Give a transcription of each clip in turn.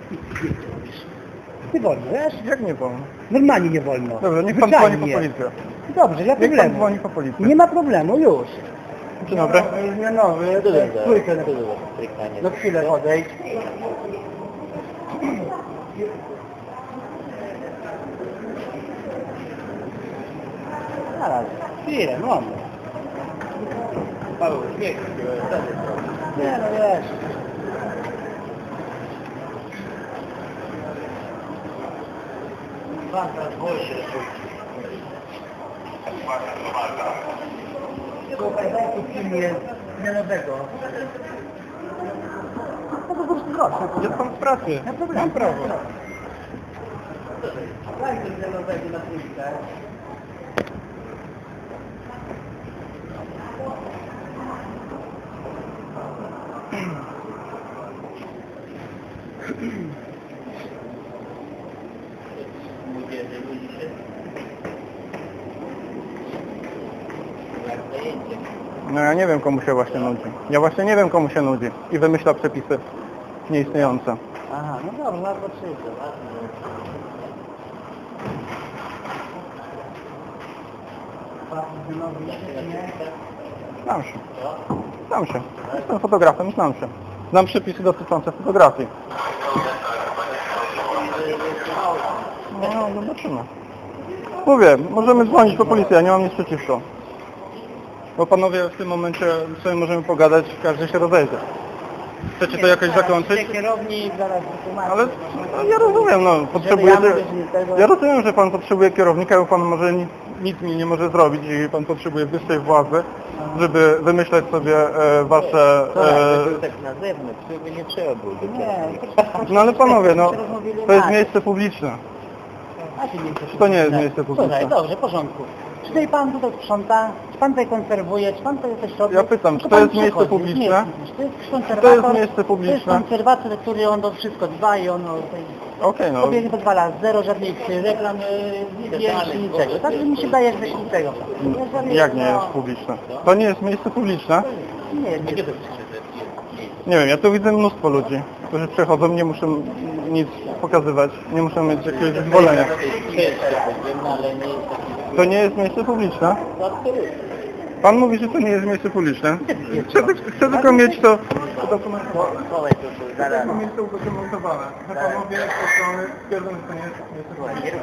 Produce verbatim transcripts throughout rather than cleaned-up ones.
Nie wolno, wiesz? Jak nie wolno? Normalnie nie wolno. Dobrze, niech pan Zwyczajnie. dzwoni po policję. Dobrze, nie ma Niech pan problemu. dzwoni po policję. Nie ma problemu, już. Dzień dobry. Zmianowy, trójkę na No chwilę odejdź. Zaraz, chwilę, moment. Paweł, nie, nie, no wiesz. Słuchaj, daj tu filmie zmianowego. No to po prostu proszę. Jest pan w pracy. Mam prawo. Daj tu zmianowego na trójkę. No ja nie wiem, komu się właśnie nudzi. Ja właśnie nie wiem, komu się nudzi. I wymyśla przepisy nieistniejące. Aha, no dobrze, na potrzebę. Znam się. Znam się. Jestem fotografem i znam się. Znam przepisy dotyczące fotografii. No, zobaczymy. Mówię, możemy dzwonić po policję, ja nie mam nic przeciwko. Bo panowie w tym momencie sobie możemy pogadać, każdy się rozejdzie. Chcecie to jakoś zakończyć? Kierownik zaraz wytłumaczy. Ale no, ja rozumiem, no, potrzebujecie... Ja rozumiem, że pan potrzebuje kierownika, bo pan może nic, nic mi nie może zrobić i pan potrzebuje wyższej władzy, żeby wymyślać sobie e, wasze... E... tak na zewnątrz, żeby nie trzeba było do Nie, No ale panowie, no, to jest miejsce publiczne. a się nie Czy to nie jest miejsce publiczne? Słuchaj, dobrze, w porządku. Czy tutaj pan tutaj sprząta, czy pan tutaj konserwuje, czy pan tutaj coś robi? Ja pytam, Tylko czy to pan jest miejsce przychodzi, publiczne? nie jest publiczne. To jest konserwator, To jest miejsce publiczne? To jest konserwator, który on o wszystko dba i on o tej... Okej, no. Sobie nie pozwala, zero żadnych reklam, yy, zdjęć, niczego. Także mi się daje, że niczego. Jak nie jest publiczne? To nie jest miejsce publiczne? Nie, nie, nie. Nie wiem, ja tu widzę mnóstwo ludzi, którzy przechodzą, nie muszą nic pokazywać, nie muszą mieć jakiegoś zezwolenia. To nie jest miejsce publiczne? Pan mówi, że to nie jest miejsce publiczne? Chcę, chcę tylko mieć to udokumentowane. Chcę tylko mieć to udokumentowane. Że panowie z strony twierdzą, że to nie jest miejsce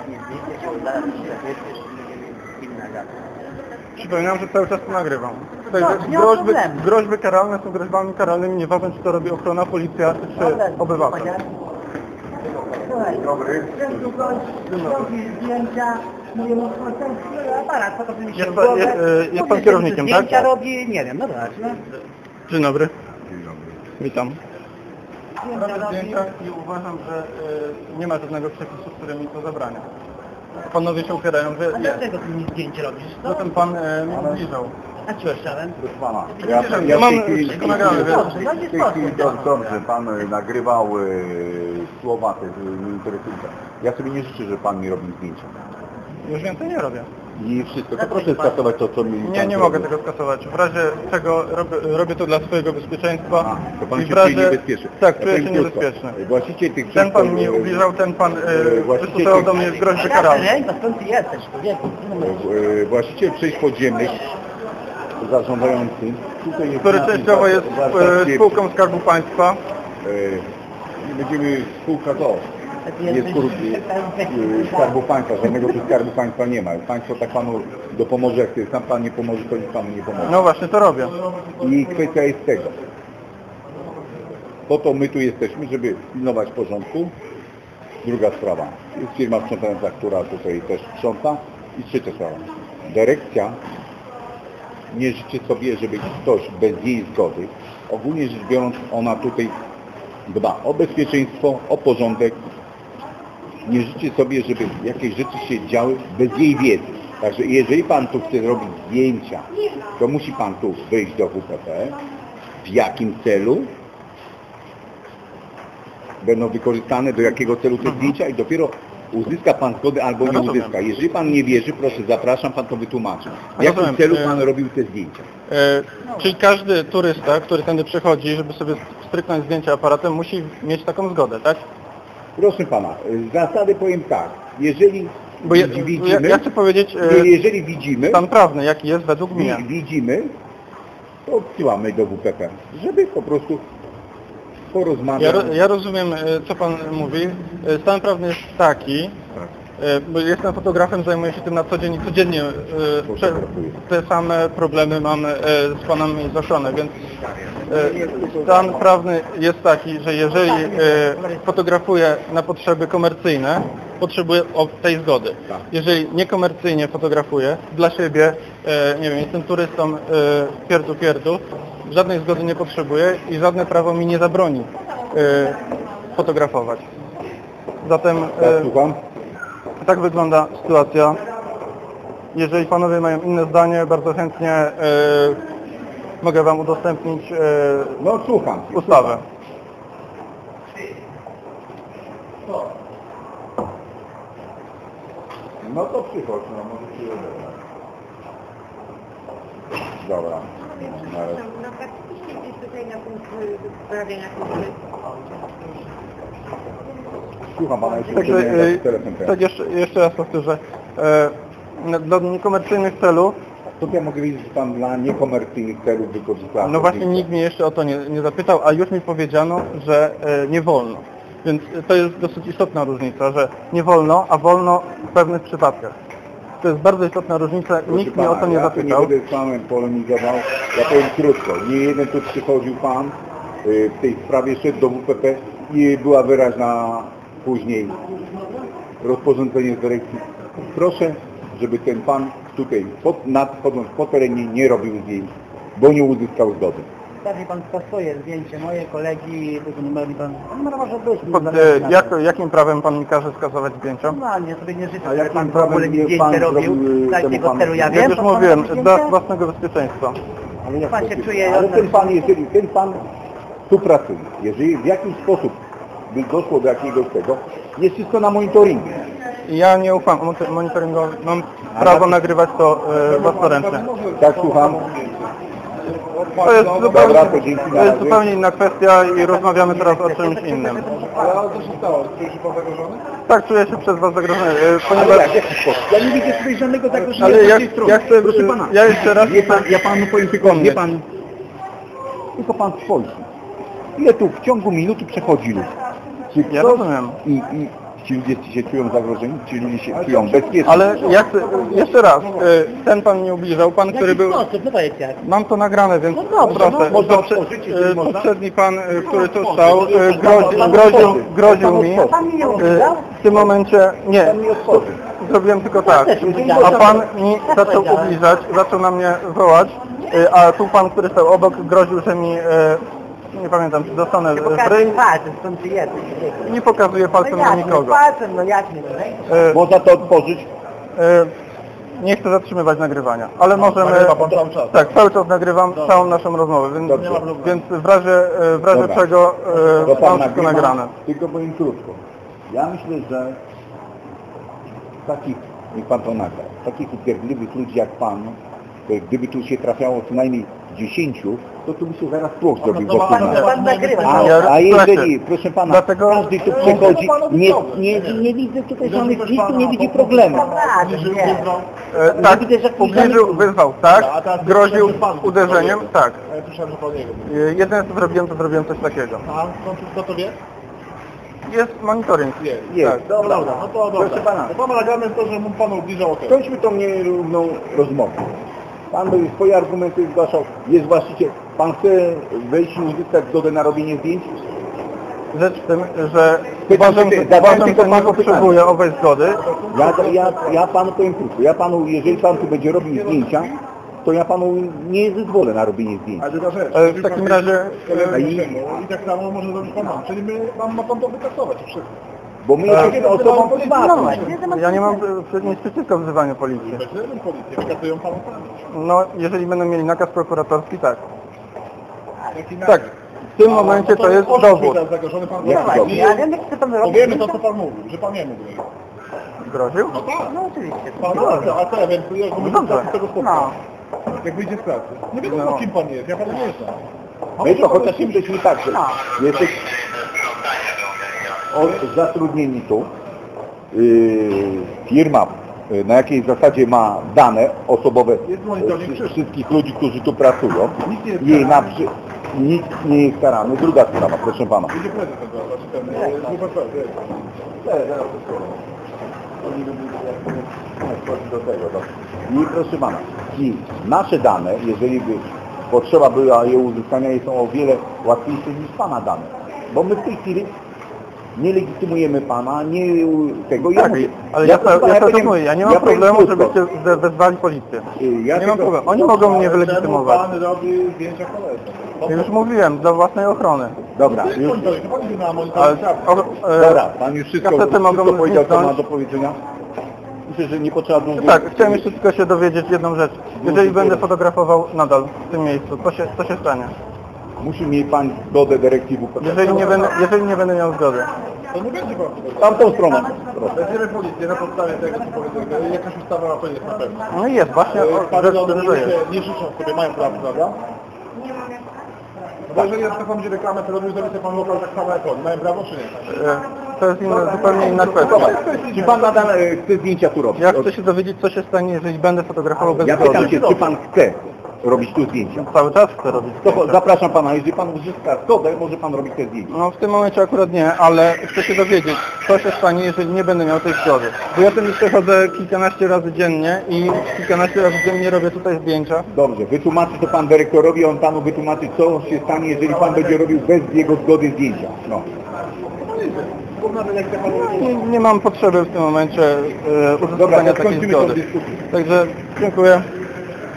publiczne. Przypominam, że cały czas to nagrywam. Tutaj No, nie ma groźby, problemu. groźby karalne są groźbami karalnymi, nieważne czy to robi ochrona, policja czy obywatel. Słuchaj, dobry. Robi zdjęcia, mówię, no ten aparat, co to mi się Jest w pan- głowę. jest, e, jest pan No, kierownikiem, tak? Zdjęcia robi, nie wiem, no tak, no. Dzień dobry. Witam. Zdjęcia Robię robi. zdjęcia i uważam, że y, nie ma żadnego przepisu, który mi to zabrania. Panowie się upierają, że A jest. dlaczego ty mi zdjęcie robisz? No ten pan y, mi ubliżał. A co chciałem? Proszę pana, Ja- ja, ja ja w mam tej chwili, wszystko nagrane, wiesz? Dobrze, no nie w tej chwili sposób. dobrze, dobrze, pan e, nagrywał e, słowa te e, interesujące. Ja sobie nie życzę, że pan mi robi zdjęcia. Już więcej nie robię. I wszystko, to proszę skasować to, co mi Nie, pan nie zrobił. mogę tego skasować. W razie czego robię, robię to dla swojego bezpieczeństwa. A, to pan i się w razie... czuje niebezpieczny. Tak, Ja czuję się powiem krótko. niebezpieczny. Właściciel tych Ten pan wszystkich, mi e, ubliżał, ten pan e, y, właściciel wystosował tych- do mnie groźby karalne. Ej, no skąd ty jesteś, człowieku? e, właściciel przejść podziemnych zarządzający. Tutaj jest Który napis częściowo jest warszawski, y, spółką Skarbu Państwa. e, Będziemy spółka to. Jest korupcji e, Skarbu Państwa, żadnego tu Skarbu Państwa nie ma. Państwo tak panu dopomoże, jak sam pan nie pomoże, to nic panu nie pomoże. No właśnie, to robię. I kwestia jest tego. Po to my tu jesteśmy, żeby pilnować porządku. Druga sprawa. Jest firma sprzątająca, która tutaj też sprząta. I trzecia sprawa. Dyrekcja nie życzy sobie, żeby ktoś bez jej zgody, ogólnie rzecz biorąc, ona tutaj dba o bezpieczeństwo, o porządek. Nie życzy sobie, żeby jakieś rzeczy się działy bez jej wiedzy. Także jeżeli pan tu chce robić zdjęcia, to musi pan tu wyjść do W P P. W jakim celu będą wykorzystane, do jakiego celu te zdjęcia i dopiero uzyska pan zgodę albo nie Rozumiem. uzyska. Jeżeli pan nie wierzy, proszę, zapraszam, pan to wytłumaczy. W jakim Rozumiem. celu E, pan robił te zdjęcia? E, czyli każdy turysta, który tędy przychodzi, żeby sobie stryknąć zdjęcie aparatem, musi mieć taką zgodę, tak? Proszę pana, z zasady powiem tak, jeżeli Bo ja, widzimy, ja, ja chcę powiedzieć e, jeżeli widzimy, stan prawny, jaki jest według mnie. widzimy, to odsyłamy do W P P, żeby po prostu porozmawiać. Ja, ro, ja rozumiem, e, co pan mówi. E, Stan prawny jest taki, Tak. e, bo jestem fotografem, zajmuję się tym na co dzień i codziennie e, prze, te same problemy mam e, z panami zgłoszone, więc e, stan prawny jest taki, że jeżeli e, fotografuję na potrzeby komercyjne, potrzebuję o tej zgody. Tak. Jeżeli niekomercyjnie fotografuję dla siebie, e, nie wiem, jestem turystą e, pierdu pierdu, żadnej zgody nie potrzebuję i żadne prawo mi nie zabroni e, fotografować. Zatem Tak, e, słucham? tak wygląda sytuacja. Jeżeli panowie mają inne zdanie, bardzo chętnie e, mogę wam udostępnić e, No słucham. ustawę. No to przychodź, no może ci odebrać. Dobra. Na razie. No faktycznie gdzieś tutaj na punkt wyprawienia kultury. Słucham pana, jeszcze Także nie e, telefon. tak jeszcze, jeszcze raz powtórzę. E, na- dla niekomercyjnych celów, To ja mogę wiedzieć, że pan dla niekomercyjnych celów wykorzysta. no właśnie nikt mnie jeszcze o to nie, nie zapytał, a już mi powiedziano, że e, nie wolno. Więc to jest dosyć istotna różnica, że nie wolno, a wolno w pewnych przypadkach. To jest bardzo istotna różnica, Proszę nikt mnie o to nie ja zapytał. Ja nie będę z panem polemizował, ja powiem krótko. Nie jeden tu przychodził pan y, w tej sprawie, szedł do W P P i była wyraźna później rozporządzenie z dyrekcji. Proszę, żeby ten pan tutaj pod, nadchodząc po terenie nie robił zdjęć, bo nie uzyskał zgody. Stawi pan swoje zdjęcie, moje kolegi, tego numeru pan... Numer może być. Pod, e, jak, jakim prawem pan mi każe skazywać zdjęcia? Normalnie, sobie nie życzę, A żeby jakim pan w prawem ogóle mi nie zdjęcie pan robił. zrobił, Tak, temu tego panu celu ja Jak wiem. już to pan mówiłem, zdjęcie? dla własnego bezpieczeństwa. Ale, jak Pan to się jest? czuje Ale od- ten pan, jeżeli ten pan tu pracuje, jeżeli w jakiś sposób by doszło do jakiegoś tego, jest wszystko na monitoringu. Ja nie ufam monitor- monitoringowi, mam prawo nagrywać to e, własnoręcznie. Tak, słucham. To jest, zupełnie, Dobra, to dzięki, na to jest razie. zupełnie inna kwestia i rozmawiamy teraz o czymś innym. Ale co się stało? Czujesz się pan zagrożony? Tak, czuję się przez was zagrożony, e, Ale ponieważ... jak, w jaki sposób? Ja nie widzę tutaj żadnego zagrożenia Ale z ja, tej strony. ja chcę, Proszę pana, ja jeszcze raz... wie pan, ja panu powiem tylko, Wspomnieć. wie pan, tylko pan spojrzy. Ile tu w ciągu minuty przechodzi ludzi? Czy Ja ktoś- rozumiem. I, i ci ludzie się czują zagrożeni? Ci ludzie się czują bezpiecznie? Ale ja chcę, jeszcze raz, e, ten pan mnie ubliżał, pan, który był... sposób, no powiedz jak. Mam to nagrane, więc No dobrze, proszę. no, można Poprze- otworzyć, jeżeli e, można? poprzedni pan, e, który tu stał, e, grozi, groził, groził mi. Pan mi nie E, ubliżał? W tym momencie, nie, Pan mi otworzy. zrobiłem tylko tak. też ubliżałem. A pan mi zaczął ubliżać, zaczął na mnie wołać, e, a tu pan, który stał obok, groził, że mi, e, nie pamiętam, czy dostanę w Pokaż ryj palcem, stąd ty jesteś. i nie pokazuje palcem No na jak, nikogo. palcem, no jak nie? E, Można to otworzyć? e, Nie chcę zatrzymywać nagrywania, ale możemy... nagrywa pan cały czas? Tak, cały czas nagrywam całą naszą rozmowę, więc, Dobrze. więc w razie, e, w razie Dobra. czego To e, pan mam wszystko nagrywa, nagrane. tylko powiem krótko. Ja myślę, że takich, niech pan to nagra, takich upierdliwych ludzi jak pan, to gdyby tu się trafiało co najmniej dziesięciu, to tu by się zaraz tłok zrobił wokół Pan, nas. pan nagrywa. A, Ja- a jeżeli, słuchajcie, proszę pana, dlatego- każdy tu przychodzi, nie, nie, nie widzę tutaj żadnych, nikt tu nie widzi problemu. Naprawdę, nie. E, tak, widzę, że ubliżył, wyzwał, tak, groził uderzeniem, tak. A ja słyszałem, że pan nie wie. E, Jedyne co zrobiłem, to zrobiłem coś takiego. A kto to wie? Jest monitoring. Jest. Jest, Tak. No dobra, no to dobra. Proszę pana. To mamy nagrane to, że mu pan ubliżał, okej. Skończmy tą nierówną rozmowę. Pan by swoje argumenty zgłaszał, jest właściciel, pan chce wejść i uzyskać zgodę na robienie zdjęć? Rzecz w tym, że Pytam uważam, tylko- że, zadałem uważam, tylko że nie panu potrzebuję owej zgody. Ja, ja, ja panu powiem krótko, ja panu, jeżeli pan tu będzie robił zdjęcia, to ja panu nie zezwolę na robienie zdjęć. Ale druga rzecz. E, W takim razie... A e, i, I tak samo może zrobić pan nam. Czyli my, nam ma pan to wykasować wszystko. Bo my jesteśmy osobą No prywatną. właśnie, Ja nie mam e, nic przeciwko wzywaniu policji. Weźmiemy policję, wykasują panu pamięć. No, jeżeli będą mieli nakaz prokuratorski, tak. Jaki Tak, w tym momencie to jest dowód. Zagrożony pan Jak prowadzi. dowód? Ja wiem, jak chce pan robić. Powiemy to, co pan mówił, że pan nie mógł. Groził? No tak. No oczywiście. Pan, no, a co ja wiem, jak No mówię dobrze. z tego No. spotkania. Jak wyjdzie z pracy. Nie wiadomo, No. kim pan jest, ja pana nie znam. A My może to pan chociaż jest jesteśmy tak, że No. jesteś... o, zatrudnieni tu. Yy, firma yy, na jakiej zasadzie ma dane osobowe yy, wszystkich ludzi, którzy tu pracują. Jej na przy... Nic nie jest karany. Druga sprawa, proszę pana. Idzie prezes tego, znaczy ten, yy, W P P, do tego, do... I proszę pana, i nasze dane, jeżeli by potrzeba była je uzyskania, są o wiele łatwiejsze niż pana dane. Bo my w tej chwili nie legitymujemy pana, nie tego. Tak, ja ale ja, ja, ja, to mówię, ja nie mam ja problemu, żebyście ze- wezwali policję. Ja Nie mam tego, problemu. Oni mogą mnie wylegitymować. Pan robi zdjęcia koledze. Już mówiłem, dla własnej ochrony. Dobra, już, Monitoring, pan idzie na Ale, monitoring. o, e, dobra, pan już wszystko, kasety mogą wszystko powiedział, co ma zniknąć. do powiedzenia. Myślę, że nie potrzeba długo. Tak, chciałem jeszcze tylko się dowiedzieć jedną rzecz. Jeżeli będę fotografował nadal w tym miejscu, co się, co się stanie? Musi mieć pan zgodę dyrekcji W P P. Jeżeli nie będę, jeżeli nie będę miał zgody. To nie będzie pan. Tamtą stronę. Proszę. Weźmiemy policję na podstawie tego, co powiedzmy. Jakaś ustawa na to jest na pewno. No i jest, właśnie o, Pan rzecz, żony że jest. nie życzą sobie, mają prawo, prawda? No bo jeżeli na przykład pan będzie reklamę, to robił, zrobi sobie pan lokal tak samo jak oni. Mają prawo czy nie? E, To jest inna, zupełnie inna kwestia. Czy pan nadal e, chce zdjęcia tu robić? Ja chcę się dowiedzieć, co się stanie, jeżeli będę fotografował bez Ja pytam zgody. się, czy pan chce robić tu zdjęcia? Cały czas chcę robić To zdjęcia. zapraszam pana, jeżeli pan uzyska zgodę, może pan robić te zdjęcia. No w tym momencie akurat nie, ale chcę się dowiedzieć, co się stanie, jeżeli nie będę miał tej zgody. Bo ja tym przechodzę kilkanaście razy dziennie i kilkanaście razy dziennie robię tutaj zdjęcia. Dobrze, wytłumaczy to pan dyrektorowi, on panu wytłumaczy, co się stanie, jeżeli pan będzie robił bez jego zgody zdjęcia. No. Nie, nie mam potrzeby w tym momencie e, Dobra, uzyskania to takiej skończymy tą zgody. dyskusję. Także dziękuję.